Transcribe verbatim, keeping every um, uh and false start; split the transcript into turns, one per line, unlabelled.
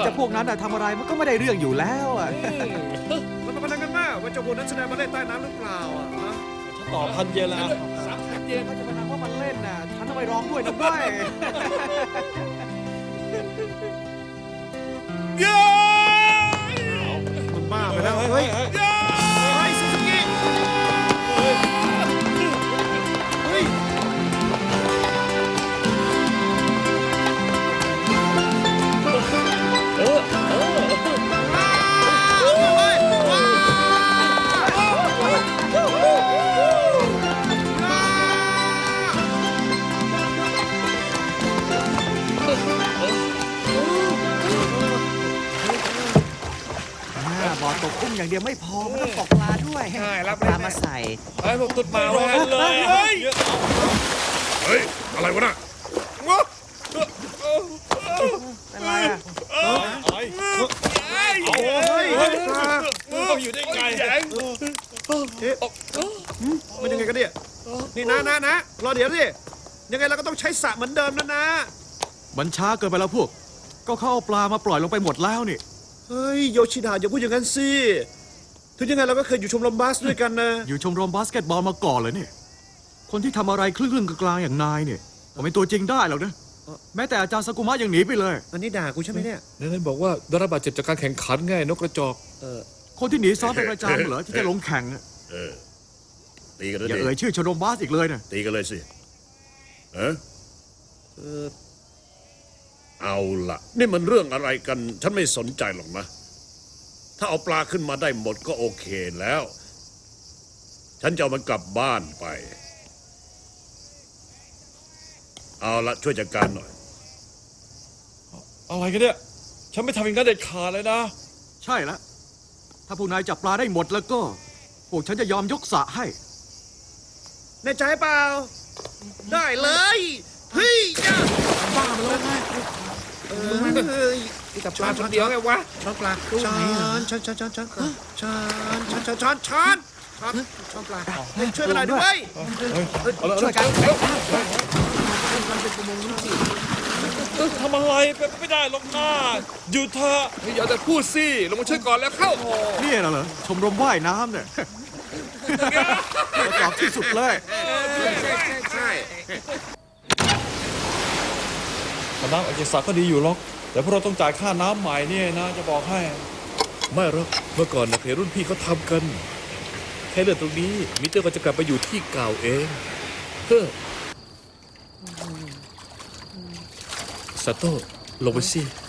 จะพวกนั้นทำอะไรมันก็ไม่ได้เรื่องอยู่แล้วอ่ะ
มันเป็นพนันกันมากว่าเจ้าพวกนั้นแสดงมาเล่นใต้น้ำหรือเปล่าอ่ะฮะ
ฉันต่อพันเยนแล้ว
สามพันเยน
ถ้าจะพนันว่ามันเล่นน่ะฉันต้องไปร้องด้วยนะด้วย
มันบ้าไปแล้วเฮ้ยเฮ้ยซูซูกิเฮ้ย
เออเออ
ว้าวเฮ้ยว้าวว้าว
บ่อตกกุ้งอย่างเดียวไม่พอมันต้องตกปลาด้วย
ใช่รับ
ปลามาใส่
ไอ้พวกตุ๊ดมา
ร้อนเลย
เฮ้ย
เฮ้ย อะไรวะน่ะ
เป็นไรอ่ะ
ไอ้
โอ้ย
ต้องอยู่ได้ไง
เอ๊ะมันยังไงกันเนี่ยนี่นะนะนะรอเดี๋ยวสิยังไงเราก็ต้องใช้สระเหมือนเดิมนะนะ
มันช้าเกินไปแล้วพวก ก็เข้าเอาปลามาปล่อยลงไปหมดแล้วนี่
เฮ้ยโยชิดาอย่าพูดอย่างนั้นสิถึงยังไงเราก็เคยอยู่ชมรมบาสด้วยกันนะ
อยู่ชมรมบาสเกตบอลมาก่อนเลยเนี่ยคนที่ทำอะไรครึ่งๆกลางๆอย่างนายเนี่ยก็เป็นตัวจริงได้หรอกนะแม้แต่อาจารย์สกุมะยังหนีไปเลย
อันนี้ด่ากูใช่ไหมเนี่ย
นายบอกว่าได้รับบาดเจ็บจากการแข่งขันไงนกกระจอก
เออ
คนที่หนีซ้อมเป็นประจำเหรอที่จะลงแข่งอะ
เออ ตีกันแล้ว
อย่า
ดิ
เอ่ยชื่อชมรมบาสอีกเลยนะ
ตีกันเลยสิ เออ
เออ
เอาล่ะ นี่มันเรื่องอะไรกัน ฉันไม่สนใจหรอกนะ ถ้าเอาปลาขึ้นมาได้หมดก็โอเคแล้ว ฉันจะเอามันกลับบ้านไป เอาละช่วยจัดการหน่อย
อะไรกันเนี่ยฉันไม่ทำอย่างนั้นเด็ดขาดเลยนะ
ใช่แล้วถ้าพวกนายจับปลาได้หมดแล้วก็พวกฉันจะยอมยกสระให้
แน่ใจเปล่า ได้เลยเฮ้ยย่าบ้ามาแล้วไงเออเฮ้ยกับปลาคนเดียวไงวะช้อนปลาช้อนช้อนช้อนช้อนช้อนช้อนช้อนช้อนช้อนช้อนช้อนช้อนปลาช่วยกันหน่อยด้วย
ช่วยกัน
เออทำอะไรไปไม่ได้หรอกนะหยุดเถอะ
อย่าแต่พูดสิลงมาช่วยก่อนแล้วเข้า
นี่น่ะเหรอชมรมว่ายน้ำเนี่ย กระจอกที่สุดเลย
ใช่ใช่ใช่
น้ำออกจากสระก็ดีอยู่หรอกแต่พวกเราต้องจ่ายค่าน้ำใหม่เนี่ยนะจะบอกให้
ไม่หรอกเมื่อก่อนนะเคยรุ่นพี่เขาทำกัน แค่เรื่องตรงนี้มิเตอร์ก็จะกลับไปอยู่ที่เก่าเองเฮ้อซาโต้ลงไปสิ